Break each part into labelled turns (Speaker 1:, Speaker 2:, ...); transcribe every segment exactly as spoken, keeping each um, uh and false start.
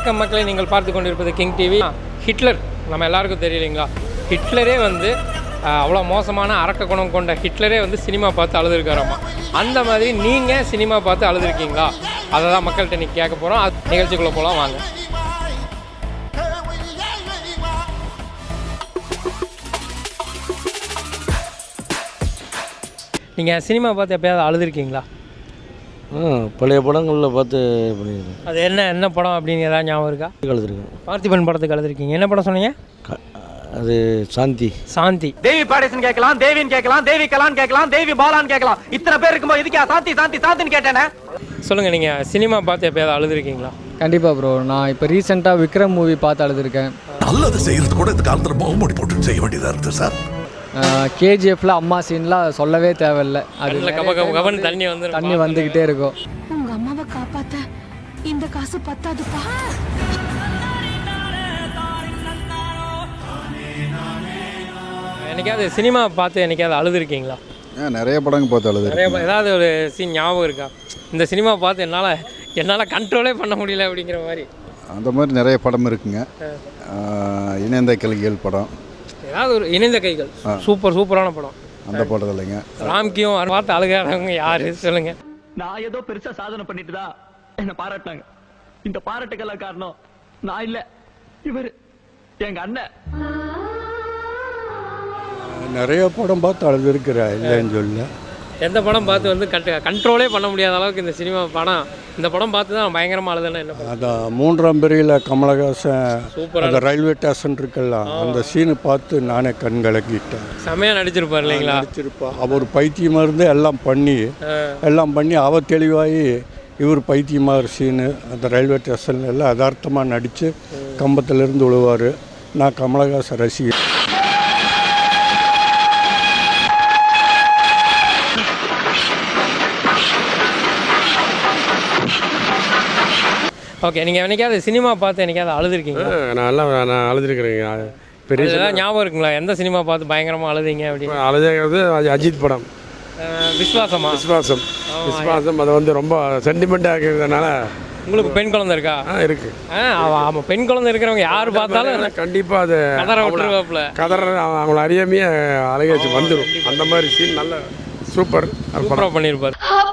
Speaker 1: வணக்கம் மக்களை, நீங்கள் பார்த்து கொண்டிருப்பது கிங் டிவி. ஹிட்லர் நம்ம எல்லாருக்கும் தெரியலைங்களா? ஹிட்லரே வந்து அவ்வளோ மோசமான அரக்க குணம் கொண்ட ஹிட்லரே வந்து சினிமா பார்த்து அழுதுருக்காராமா. அந்த மாதிரி நீங்கள் சினிமா பார்த்து அழுதுருக்கீங்களா? அதை தான் மக்கள்கிட்ட நீங்கள் கேட்க போகிறோம். அது நிகழ்ச்சிக்குள்ளே போகலாம் வாங்க. நீங்கள் சினிமா பார்த்து எப்போயாவது அழுதுருக்கீங்களா?
Speaker 2: பழைய படங்களில் பார்த்து பண்ணியிருக்கேன்.
Speaker 1: அது என்ன என்ன படம் அப்படின்னு ஏதாவது ஞாபகம் இருக்கா?
Speaker 2: அழுதுருக்கேன்.
Speaker 1: பார்த்திபன் படத்துக்கு அழுதுருக்கீங்க. என்ன படம் சொன்னீங்க?
Speaker 2: அது சாந்தி.
Speaker 1: சாந்தி.
Speaker 3: தேவி பாடேசன் கேட்கலாம், தேவின்னு கேட்கலாம், தேவி கலான் கேட்கலாம், தேவி பாலான்னு கேட்கலாம். இத்தனை பேர் இருக்கும்போது இதுக்கா சாந்தி சாந்தி சாந்தின்னு கேட்டேனே.
Speaker 1: சொல்லுங்கள், நீங்கள் சினிமா பார்த்து எப்போயாவது அழுதுருக்கீங்களா?
Speaker 4: கண்டிப்பாக ப்ரோ. நான் இப்போ ரீசெண்டாக விக்ரம் மூவி பார்த்து அழுதுருக்கேன்.
Speaker 5: நல்லது செய்கிறது கூட இந்த காலத்தில் முகமூடி போட்டு செய்ய வேண்டியதாக இருக்குது சார்.
Speaker 4: கேஜிஎஃப்ல அம்மா சீன்லாம் சொல்லவே தேவையில்லை. அது
Speaker 1: தண்ணி வந்து
Speaker 4: தண்ணி வந்துக்கிட்டே இருக்கும்.
Speaker 6: உங்க அம்மாவை காப்பாத்த இந்த காசு பத்தாதுப்பா.
Speaker 1: என்னைக்காவது சினிமா பார்த்து என்னைக்காவது அழுதுருக்கீங்களா?
Speaker 7: நிறைய படங்கள் பார்த்து அழுது.
Speaker 1: நிறைய ஏதாவது ஒரு சீன் ஞாபகம் இருக்கா? இந்த சினிமா பார்த்து என்னால் என்னால் கண்ட்ரோலே பண்ண முடியல அப்படிங்கிற மாதிரி.
Speaker 7: அந்த மாதிரி நிறைய படம் இருக்குங்க. இணைந்த கிளிகள் படம்,
Speaker 1: ஏதாவது ஒரு இணைந்த கைகள் சூப்பர் சூப்பரான படம்.
Speaker 7: அந்த படம் இல்லைங்க.
Speaker 1: ராம்கியும் பார்த்து அழுகாதவங்க யாரு சொல்லுங்க?
Speaker 3: நான் ஏதோ பெருசா சாதனை பண்ணிட்டு தான் என்ன பாராட்டினாங்க. இந்த பாராட்டுக்கெல்லாம் காரணம் நான் இல்ல, இவர் எங்க அண்ணன்.
Speaker 2: நிறைய படம் பார்த்து அழுது இருக்கிறேன், இல்லைன்னு சொல்ல.
Speaker 1: எந்த படம் பார்த்து வந்து கண்ட் கண்ட்ரோலே பண்ண முடியாத அளவுக்கு இந்த சினிமா படம் இந்த படம் பார்த்து தான் பயங்கரமாக அழுதுன்னா என்ன?
Speaker 2: அதான் மூன்றாம் பிரிவில் கமலஹாசன் சூப்பராக அந்த ரயில்வே ஸ்டேஷன் இருக்குல்ல, அந்த சீனு பார்த்து நானே கண் கலக்கிட்டேன்.
Speaker 1: செமையாக நடிச்சிருப்பார் இல்லைங்களா?
Speaker 2: நடிச்சிருப்பா. அவர் பைத்தியமாக இருந்து எல்லாம் பண்ணி எல்லாம் பண்ணி அவ தெளிவாகி இவர் பைத்தியமாக சீனு அந்த ரயில்வே ஸ்டேஷனில் எல்லாம் யதார்த்தமாக நடித்து கம்பத்திலேருந்து விழுவார். நான் கமலஹாசன் ரசிகர்.
Speaker 1: ஓகே, நீங்கள் என்னைக்காவது சினிமா பார்த்து என்னைக்காவது அழுதுருக்கீங்க?
Speaker 8: நான் எல்லாம் நான் அழுதுருக்கிறேங்க.
Speaker 1: பெரிய ஞாபகம் இருக்குங்களா? எந்த சினிமா பார்த்து பயங்கரமாக அழுதிங்க அப்படின்னு?
Speaker 8: அழுதுங்கிறது அஜித் படம்
Speaker 1: விஸ்வாசமா?
Speaker 8: விஸ்வாசம். விஸ்வாசம் அது வந்து ரொம்ப சென்டிமெண்ட்டாக இருக்கிறதுனால.
Speaker 1: உங்களுக்கு பெண் குழந்தை இருக்கா?
Speaker 8: ஆ இருக்கு.
Speaker 1: ஆ ஆமாம், பெண் குழந்தை இருக்கிறவங்க யார் பார்த்தாலும்
Speaker 8: கண்டிப்பாக அது
Speaker 1: கதற விட்டுருவாப்புல.
Speaker 8: கதற அவங்கள அறியாமையே அழகாச்சு வந்துடும். அந்த மாதிரி சீன் நல்ல சூப்பர்
Speaker 1: சூப்பராக பண்ணியிருப்பார்.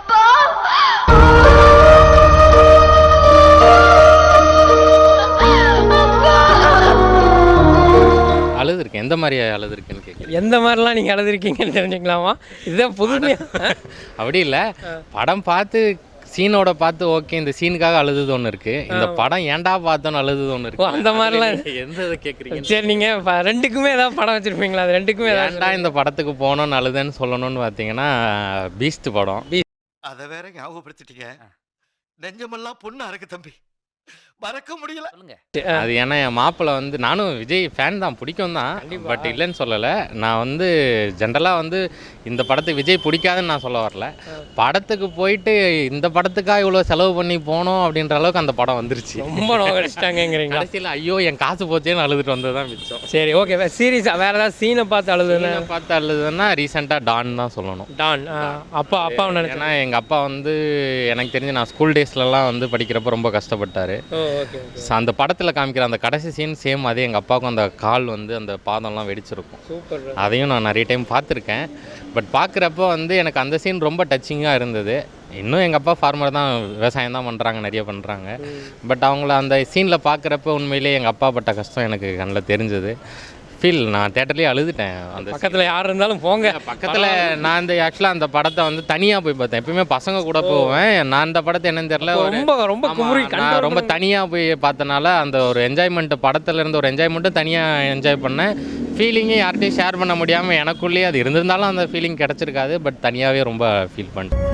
Speaker 9: அழுதுருக்கேன். எந்த மாதிரி அழுதுருக்குன்னு கேட்குறேன்.
Speaker 1: எந்த மாதிரிலாம் நீங்கள் அழுதுருக்கீங்கன்னு தெரிஞ்சுக்கலாமா? இதுதான் புதுமையாக.
Speaker 9: அப்படி இல்லை, படம் பார்த்து சீனோட பார்த்து ஓகே இந்த சீனுக்காக அழுதுது ஒன்று இருக்குது, இந்த படம் ஏன்டா பார்த்தோன்னு அழுதுது ஒன்று இருக்குது.
Speaker 1: அந்த மாதிரிலாம்
Speaker 9: எந்த இதை கேட்குறீங்க?
Speaker 1: சரி, நீங்கள் ரெண்டுக்குமே ஏதாவது படம் வச்சுருப்பீங்களா? அது ரெண்டுக்குமே
Speaker 9: ஏன்டா இந்த படத்துக்கு போகணுன்னு அழுதுன்னு சொல்லணும்னு பார்த்தீங்கன்னா பீஸ்ட் படம்.
Speaker 5: அதை வேற ஞாபகப்படுத்திட்டீங்க. நெஞ்சமெல்லாம் பொண்ணா இருக்கு தம்பி, மறக்க முடியல.
Speaker 9: அது ஏன்னா என் மாப்பிள்ளை வந்து, நானும் விஜய் ஃபேன் தான், பிடிக்கும் தான், பட் இல்லைன்னு சொல்லலை. நான் வந்து ஜென்ரலாக வந்து இந்த படத்துக்கு விஜய் பிடிக்காதுன்னு நான் சொல்ல வரல. படத்துக்கு போயிட்டு இந்த படத்துக்காக இவ்வளோ செலவு பண்ணி போனோம் அப்படின்ற அளவுக்கு அந்த படம் வந்துருச்சு.
Speaker 1: ரொம்ப நோக்கடிச்சிட்டாங்கிறீங்க.
Speaker 9: கடைசியில் ஐயோ என் காசு போச்சேன்னு அழுதுட்டு வந்தது தான் மிச்சம்.
Speaker 1: சரி, ஓகே. சீரியஸாக வேறு ஏதாவது சீனை பார்த்து அழுதுன்னு
Speaker 9: பார்த்து அழுதுன்னா ரீசெண்டாக டான் தான் சொல்லணும்.
Speaker 1: டான் அப்பா அப்பா
Speaker 9: ஏன்னா எங்கள் அப்பா வந்து எனக்கு தெரிஞ்சு நான் ஸ்கூல் டேஸ்லலாம் வந்து படிக்கிறப்ப ரொம்ப கஷ்டப்பட்டார். அந்த படத்தில் காமிக்கிற அந்த கடைசி சீன் சேம் அதே எங்கள் அப்பாவுக்கும் அந்த கால் வந்து அந்த பாதம்லாம் வெடிச்சிருக்கும். அதையும் நான் நிறைய டைம் பார்த்துருக்கேன். பட் பார்க்குறப்ப வந்து எனக்கு அந்த சீன் ரொம்ப டச்சிங்காக இருந்தது. இன்னும் எங்கள் அப்பா ஃபார்மர் தான், விவசாயம் தான் பண்ணுறாங்க, நிறைய பண்ணுறாங்க. பட் அவங்கள அந்த சீனில் பார்க்குறப்ப உண்மையிலேயே எங்கள் அப்பா பட்ட கஷ்டம் எனக்கு கண்ணில் தெரிஞ்சது. ஃபீல் நான் தேட்டர்லேயே அழுதுட்டேன். அந்த
Speaker 1: பக்கத்தில் யார் இருந்தாலும் போங்க.
Speaker 9: பக்கத்தில் நான் இந்த ஆக்சுவலாக அந்த படத்தை வந்து தனியாக போய் பார்த்தேன். எப்பயுமே பசங்க கூட போவேன். நான் அந்த படத்தை என்னன்னு தெரியல, ரொம்ப ரொம்ப நான் ரொம்ப தனியாக போய் பார்த்தனால அந்த ஒரு என்ஜாய்மெண்ட்டு, படத்தில் இருந்து ஒரு என்ஜாய்மெண்ட்டும் தனியாக என்ஜாய் பண்ணேன். ஃபீலிங்கே யார்கிட்டையும் ஷேர் பண்ண முடியாமல் எனக்குள்ளேயே அது இருந்திருந்தாலும் அந்த ஃபீலிங் கிடச்சிருக்காது. பட் தனியாகவே ரொம்ப ஃபீல் பண்ணிட்டேன்.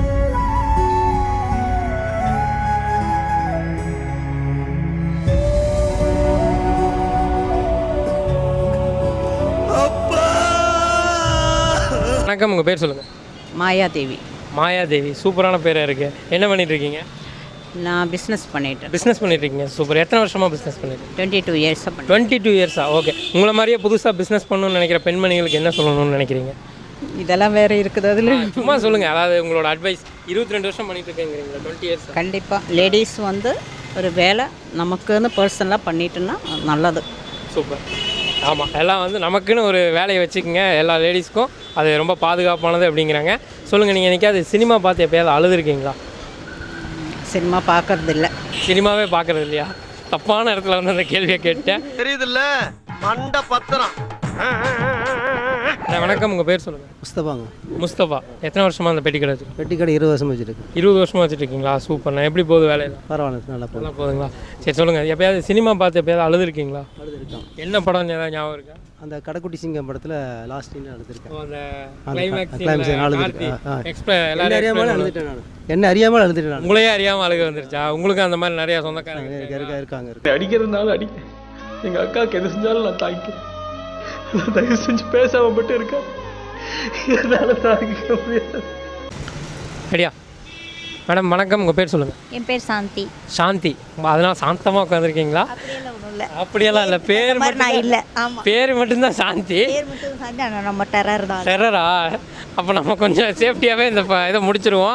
Speaker 1: வணக்கம், உங்கள் பேர் சொல்லுங்கள்.
Speaker 10: மாயாதேவி.
Speaker 1: மாயாதேவி, சூப்பரான பேராக இருக்குது. என்ன பண்ணிகிட்ருக்கீங்க?
Speaker 10: நான் பிஸ்னஸ் பண்ணிட்டேன்.
Speaker 1: பிஸ்னஸ் பண்ணிட்டுருக்கீங்க, சூப்பர். எத்தனை வருஷமாக பிஸ்னஸ் பண்ணிட்டு?
Speaker 10: டுவெண்ட்டி டூ இயர்ஸாக பண்ணி
Speaker 1: டுவெண்ட்டி டூ இயர்ஸா ஓகே. உங்களை மாதிரியே புதுசாக பிஸ்னஸ் பண்ணணும்னு நினைக்கிற பெண்மணிகளுக்கு என்ன சொல்லணும்னு நினைக்கிறீங்க?
Speaker 10: இதெல்லாம் வேறு இருக்குது அதில்.
Speaker 1: சும்மா சொல்லுங்கள், அதாவது உங்களோட அட்வைஸ். இருபத்தி ரெண்டு வருஷம் பண்ணிட்டு இருக்கீங்களா? Twenty years.
Speaker 10: கண்டிப்பாக லேடிஸ் வந்து ஒரு வேலை நமக்குன்னு பர்சனலாக பண்ணிட்டோன்னா நல்லது.
Speaker 1: சூப்பர். ஆமாம், எல்லாம் வந்து நமக்குன்னு ஒரு வேலையை வச்சுக்கோங்க. எல்லா லேடிஸ்க்கும் அது ரொம்ப பாதுகாப்பானது அப்படிங்கிறாங்க. சொல்லுங்கள், நீங்கள் என்னைக்காவது சினிமா பார்த்து எப்போயாவது அழுதுருக்கீங்களா?
Speaker 10: சினிமா பார்க்கறது இல்லை.
Speaker 1: சினிமாவே பார்க்குறது இல்லையா? தப்பான இடத்துல வந்து அந்த கேள்வியை கேட்டேன்.
Speaker 5: தெரியுதுல்ல மண்ட பத்திரம்.
Speaker 1: வணக்கம், உங்கள் பேர் சொல்லுங்கள்.
Speaker 11: முஸ்தபாங்க.
Speaker 1: முஸ்தபா. எத்தனை வருஷமாக அந்த பெட்டி கடை வச்சு?
Speaker 11: பெட்டி கடை இருபது வருஷம் வச்சுருக்கு.
Speaker 1: இருபது வருஷமாக வச்சுட்டு இருக்கீங்களா? சூப்பர்ண்ணா. எப்படி போகுது வேலையில்?
Speaker 11: பரவாயில்ல, நல்லா போகுது.
Speaker 1: நல்லா போகுதுங்களா? சரி சொல்லுங்கள், எப்போயாவது சினிமா பார்த்து எப்போயாவது அழுதுருக்கீங்களா?
Speaker 11: அழுதுருக்கோம்.
Speaker 1: என்ன படம் ஏதாவது ஞாபகம் இருக்கா?
Speaker 11: அந்த கடைக்குட்டி சிங்கம் படத்தில் லாஸ்ட் சீன் அழுதுருக்கேன்.
Speaker 1: அந்த
Speaker 11: கிளைமேக்ஸ்
Speaker 1: கிளைமேக்ஸ்
Speaker 11: அழுதுருக்கேன்.
Speaker 1: எல்லாரும்
Speaker 11: அறியாமல் அழுதுட்டேன் நான். என்ன அறியாமல் அழுதுட்டேன் நான்.
Speaker 1: உங்களையே அறியாமல் அழுக வந்துருச்சா? உங்களுக்கு அந்த மாதிரி நிறைய சொந்தக்காரங்க
Speaker 11: இருக்க இருக்காங்க இருக்கு.
Speaker 3: அடிக்கிறதுனால அடி. எங்கள் அக்காவுக்கு எது செஞ்சாலும் நான் தாங்கிக்கிறேன். நான் தயவு செஞ்சு பேசாம மட்டும் இருக்கேன். என்னால் தாங்கிக்க முடியாது.
Speaker 1: சரியா மேடம்? வணக்கம், உங்கள் பேர் சொல்லுங்கள்.
Speaker 6: என் பேர் சாந்தி.
Speaker 1: சாந்தி. அதனால் சாந்தமாக உட்காந்துருக்கீங்களா?
Speaker 6: அப்படியெல்லாம் ஒன்றும் இல்லை.
Speaker 1: அப்படியெல்லாம் இல்லை, பேர்
Speaker 6: நான் இல்லை. ஆமாம்,
Speaker 1: பேர் மட்டும்தான் சாந்தி.
Speaker 6: பேர் மட்டும் சாந்தி. ஆனால் நம்ம டெரர் தான்.
Speaker 1: டெரரா? அப்போ நம்ம கொஞ்சம் சேஃப்டியாகவே இந்த ப- இதை முடிச்சிருவோம்.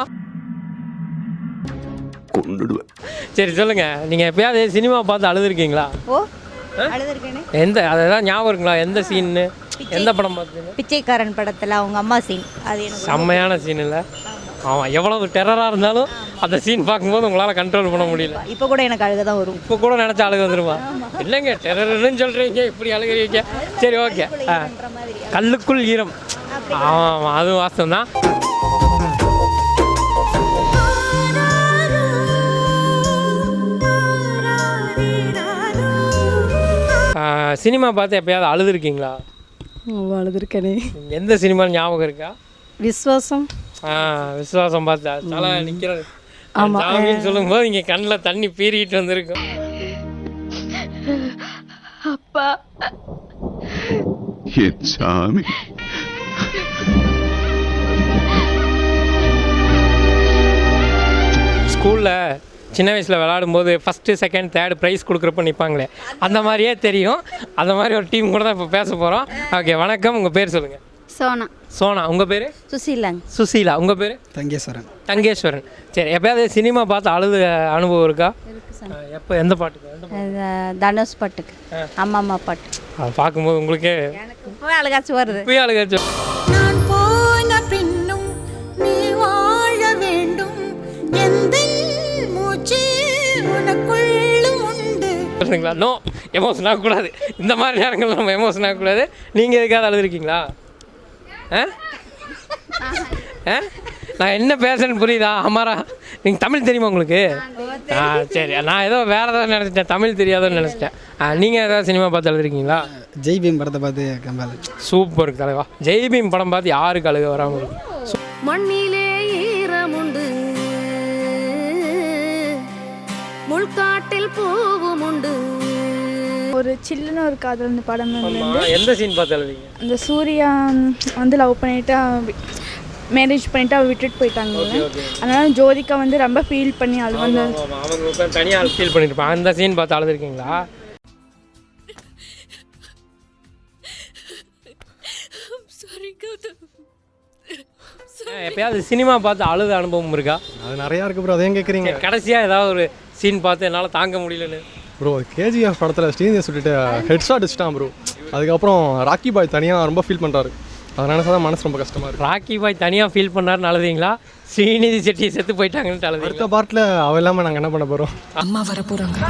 Speaker 1: சரி சொல்லுங்கள், நீங்கள் எப்பயாவது சினிமா பார்த்து அழுதுருக்கீங்களா?
Speaker 6: ஓ, அழுதுருக்கேனே.
Speaker 1: எந்த அதெல்லாம் ஞாபகம் இருக்குங்களா? எந்த சீன்னு, எந்த படம் பார்த்தீங்க?
Speaker 6: பிச்சைக்காரன் படத்தில் அவங்க அம்மா சீன். அது எனக்கு
Speaker 1: செம்மையான சீன் இல்லை? ஆமாம், எவ்வளவு டெரராக இருந்தாலும் அந்த சீன் பார்க்கும்போது உங்களால் கண்ட்ரோல் பண்ண முடியல.
Speaker 6: இப்போ கூட எனக்கு அழுக தான் வரும்.
Speaker 1: இப்போ கூட நினச்சா அழுக வந்துருமா? இல்லைங்க, டெரர்னு சொல்கிறீங்க, இப்படி அழுகிறீங்க. சரி, ஓகே. ஆ, கல்லுக்குள் ஈரம். ஆமாம், அதுவும் வாஸ்தவம் தான். சினிமா பார்த்து எப்பயாவது அழுதுருக்கீங்களா?
Speaker 10: அழுதுருக்கேனே.
Speaker 1: எந்த சினிமா ஞாபகம் இருக்கா?
Speaker 10: விஸ்வாசம்.
Speaker 1: ஆ, விசுவாசம் பார்த்தா தலை நிற்கிறது. ஆமாம், சொல்லும்போது இங்கே கண்ணில் தண்ணி பீறிட்டு வந்திருக்கும்.
Speaker 6: அப்பா
Speaker 7: சாமி.
Speaker 1: ஸ்கூலில் சின்ன வயசில் விளாடும்போது ஃபஸ்ட்டு செகண்ட் தேர்டு ப்ரைஸ் கொடுக்குறப்ப நிற்பாங்களே, அந்த மாதிரியே தெரியும். அந்த மாதிரி ஒரு டீம் கூட தான் இப்போ பேச போகிறோம். ஓகே, வணக்கம், உங்கள் பேர் சொல்லுங்கள்.
Speaker 6: சோனா.
Speaker 1: சோனா. உங்கள் பேர்?
Speaker 6: சுசீலாங்க.
Speaker 1: சுசீலா. உங்கள் பேர்?
Speaker 11: தங்கேஸ்வரன்.
Speaker 1: தங்கேஸ்வரன். சரி, எப்போயாவது சினிமா பார்த்து அழுது அனுபவம் இருக்கா? எப்போ, எந்த பாட்டுக்கு? எந்த பாட்டு?
Speaker 6: தனுஷ் பாட்டுக்கு. அம்மா அம்மா பாட்டு.
Speaker 1: அதை பார்க்கும்போது உங்களுக்கு
Speaker 6: எனக்கு இப்போவே அழுகாச்சு வருது.
Speaker 1: இப்போயே அழுகாச்சு.
Speaker 6: நான் போன பின்னும் நீ வாழ வேண்டும், எந்த மூச்சு உனக்குள்ளும் உண்டு.
Speaker 1: சொல்லுங்களா? நோ, எமோஷன் ஆகக்கூடாது. இந்த மாதிரி நேரங்கள் நம்ம எமோஷன் ஆகக்கூடாது. நீங்கள் எதுக்காவது அழுதுருக்கீங்களா? ஆ ஆ நான் என்ன பேசுறேன்னு புரியுதா? அமாரா, நீங்கள் தமிழ் தெரியுமா உங்களுக்கு? ஆ சரி, நான் ஏதோ வேறு ஏதாவது நினச்சிட்டேன், தமிழ் தெரியாதுன்னு நினச்சிட்டேன். நீங்கள் ஏதாவது சினிமா பார்த்து அழுதுருக்கீங்களா?
Speaker 11: ஜெய்பீம் படத்தை பார்த்து கம்பால்.
Speaker 1: சூப்பர் தலைவா. ஜெய்பீம் படம் பார்த்து யாருக்கு அழுக வராமல்?
Speaker 6: மண்ணிலே ஈரமுண்டு, முள்காட்டில் பூவும் உண்டு.
Speaker 12: ஒரு சில்லுன்னு ஒரு காதல் அந்த படம் வந்து
Speaker 1: எந்த சீன் பார்த்து அழுவீங்க?
Speaker 12: அந்த சூர்யா வந்து லவ் பண்ணிவிட்டு மேரேஜ் பண்ணிவிட்டு அவள் விட்டுட்டு போயிட்டாங்க. அதனால ஜோதிகா வந்து ரொம்ப ஃபீல் பண்ணி அது வந்து
Speaker 1: அவங்க தனியாக ஃபீல் பண்ணியிருப்பாங்க. அந்த சீன் பார்த்து அழுதுருக்கீங்களா? எப்பயாவது சினிமா பார்த்து அழுத அனுபவம் இருக்கா?
Speaker 11: அது நிறையா இருக்குது ப்ரோ. அதையும் கேட்குறீங்க.
Speaker 1: கடைசியாக ஏதாவது ஒரு சீன் பார்த்து என்னால் தாங்க முடியலன்னு?
Speaker 11: ப்ரோ, கேஜிஎஃப் படத்தில் ஸ்ரீநிதி சொல்லிட்டு ஹெட் ஷாட் வச்சுட்டான் ப்ரோ. அதுக்கப்புறம் ராக்கி பாய் தனியாக ரொம்ப ஃபீல் பண்ணுறாரு. அதனால தான் மனசு ரொம்ப கஷ்டமாக இருக்குது.
Speaker 1: ராக்கி பாய் தனியாக ஃபீல் பண்ணாருன்னு அழுதீங்களா? ஸ்ரீநிதி செட்டி செத்து போயிட்டாங்கன்னு அழுது.
Speaker 11: அடுத்த பார்ட்டில் அவ இல்லாமல் நாங்கள் என்ன பண்ண போகிறோம்?
Speaker 6: அம்மா வர போகிறாங்க.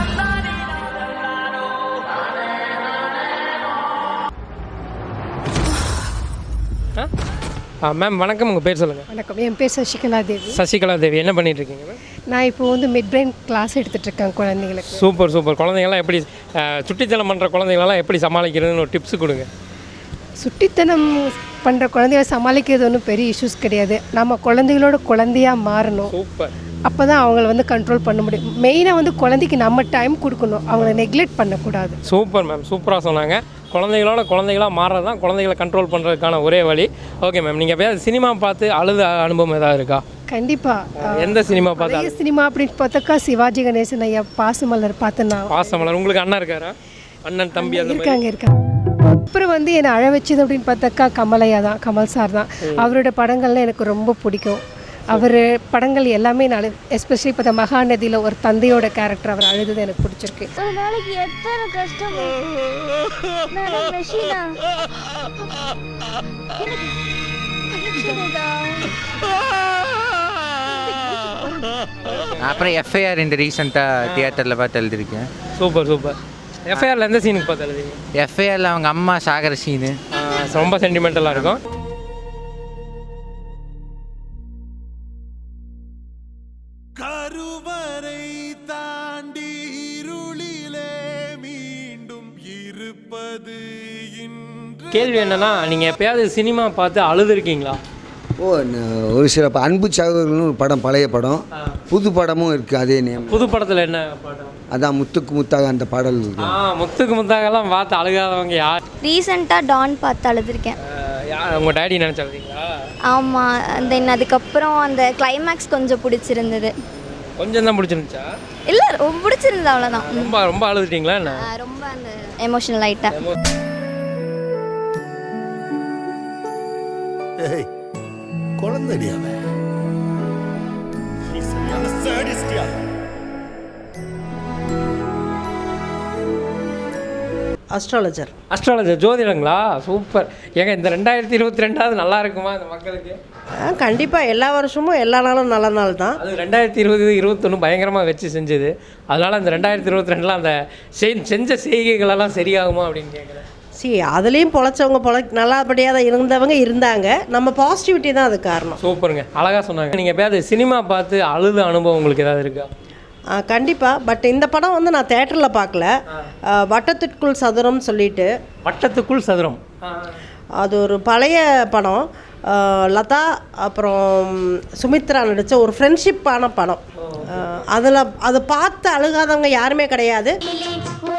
Speaker 1: மேம் வணக்கம், உங்கள் பேர் சொல்லுங்கள்.
Speaker 12: வணக்கம், என் பேர் சசிகலா தேவி.
Speaker 1: சசிகலா தேவி. என்ன பண்ணிட்டு இருக்கீங்க மேம்?
Speaker 12: நான் இப்போ வந்து மிட் பிரெயின் கிளாஸ் எடுத்துகிட்டு இருக்கேன் குழந்தைங்களுக்கு.
Speaker 1: Super super. குழந்தைங்களாம் எப்படி சுட்டித்தனம் பண்ணுற குழந்தைங்களெல்லாம் எப்படி சமாளிக்கிறதுன்னு ஒரு டிப்ஸ் கொடுங்க.
Speaker 12: சுட்டித்தனம் பண்ணுற குழந்தைய சமாளிக்கிறது ஒன்றும் பெரிய இஷ்யூஸ் கிடையாது. நம்ம குழந்தைகளோட குழந்தையாக மாறணும்.
Speaker 1: சூப்பர்.
Speaker 12: அப்போ தான் அவங்கள வந்து கண்ட்ரோல் பண்ண முடியும். மெயினாக வந்து குழந்தைக்கு நம்ம டைம் கொடுக்கணும், அவங்கள நெக்லெக்ட் பண்ணக்கூடாது.
Speaker 1: சூப்பர் மேம், சூப்பராக சொன்னாங்க. குழந்தைகளோட குழந்தைகளாக மாறுறது தான் குழந்தைகளை கண்ட்ரோல் பண்ணுறதுக்கான ஒரே வழி. ஓகே மேம், நீங்கள் எப்போயாவது சினிமா பார்த்து அழுத அனுபவம் ஏதாவது இருக்கா?
Speaker 12: கண்டிப்பாக.
Speaker 1: எந்த சினிமா பார்த்து?
Speaker 12: சினிமா அப்படின்னு பார்த்தாக்கா சிவாஜி கணேசன் ஐயா பாசமலர் பார்த்தேன்னா.
Speaker 1: பாசமலர். உங்களுக்கு அண்ணன் இருக்காரா? அண்ணன் தம்பி அந்த
Speaker 12: இருக்காங்க இருக்காங்க. அப்புறம் வந்து என்னை அழ வச்சது அப்படின்னு பார்த்தாக்கா கமலையா தான், கமல் சார் தான். அவரோட படங்கள்லாம் எனக்கு ரொம்ப பிடிக்கும்.
Speaker 13: அவர் படங்கள் எல்லாமே நான் எஸ்பெஷலி இப்போ இந்த மகாநதியில் ஒரு தந்தையோட கேரக்டர் அவர் அழுது எனக்கு பிடிச்சிருக்கு.
Speaker 12: ஒரு நாளைக்கு எத்தனை கஷ்டம்
Speaker 14: அப்புறம் எஃப்ஐஆர் இந்த ரீசெண்டாக தியேட்டரில் பார்த்து எழுதியிருக்கேன்.
Speaker 1: Super super. எஃப்ஐஆரில் எந்த சீனுக்கு பார்த்து எழுதிங்க?
Speaker 14: எஃப்ஐஆரில் அவங்க அம்மா சாகர சீனு
Speaker 1: ரொம்ப சென்டிமெண்டலாக இருக்கும்.
Speaker 5: கருவறை தாண்டி இருளிலே மீண்டும் இருப்பது
Speaker 1: கேள்வி என்னன்னா, நீங்கள் எப்பயாவது சினிமா பார்த்து அழுதுருக்கீங்களா?
Speaker 15: ஓ ஒரு சில அன்பு சகோதரர்கள்னு ஒரு படம், பழைய படம், புது படமும் இருக்குது அதே நேம்.
Speaker 1: புது படத்தில் என்ன படம்?
Speaker 15: அதான் முத்துக்கு முத்தாக அந்த பாடல் இருக்கு.
Speaker 1: ஆ முத்துக்கு முத்தாகலாம் பார்த்து அழுகாதவங்க யார்?
Speaker 12: ரீசெண்டாக டான் பார்த்து அழுதுருக்கேன்.
Speaker 1: யார் உங்கள் டேடி நினச்சி அழுதிங்களா?
Speaker 12: ஆமாம். தென் அதுக்கப்புறம் அந்த கிளைமேக்ஸ் கொஞ்சம் பிடிச்சிருந்தது.
Speaker 1: கொஞ்சம் தான் பிடிச்சிருந்துச்சா?
Speaker 12: இல்லை ரொம்ப பிடிச்சிருந்தது, அவ்வளோதான்.
Speaker 1: ரொம்ப ரொம்ப அழுதுட்டீங்களா என்ன?
Speaker 12: ரொம்ப அந்த எமோஷனல் ஆகிட்டேன்.
Speaker 5: குழந்தைடியாவே
Speaker 10: அஸ்ட்ராலஜர்.
Speaker 1: அஸ்ட்ராலஜர் ஜோதிடங்களா? சூப்பர். ஏங்க இந்த ரெண்டாயிரத்தி இருபத்தி ரெண்டாவது நல்லா இருக்குமா இந்த மக்களுக்கு?
Speaker 10: கண்டிப்பாக எல்லா வருஷமும் எல்லா நாளும் நல்ல நாள் தான்.
Speaker 1: அது ரெண்டாயிரத்தி இருபது இருபத்தொன்று பயங்கரமாக வச்சு செஞ்சது. அதனால் அந்த ரெண்டாயிரத்தி இருபத்தி ரெண்டில் அந்த செஞ்ச செய்கைகளெல்லாம் சரியாகுமா அப்படின்னு கேட்குறேன்.
Speaker 10: சி அதுலேயும் பொழைச்சவங்க பொழை நல்லபடியாக தான் இருந்தவங்க இருந்தாங்க. நம்ம பாசிட்டிவிட்டி தான் அது காரணம்.
Speaker 1: சூப்பருங்க, அழகாக சொன்னாங்க. நீங்கள் எப்போயாவது சினிமா பார்த்து அழுத அனுபவம் உங்களுக்கு ஏதாவது இருக்கா?
Speaker 10: கண்டிப்பாக. பட் இந்த படம் வந்து நான் தேட்டரில் பார்க்கல. வட்டத்துக்குள் சதுரம் சொல்லிட்டு.
Speaker 1: வட்டத்துக்குள் சதுரம்
Speaker 10: அது ஒரு பழைய படம். லதா அப்புறம் சுமித்ரா நடித்த ஒரு ஃப்ரெண்ட்ஷிப்பான படம். அதில் அதை பார்த்து அழுகாதவங்க யாருமே கிடையாது.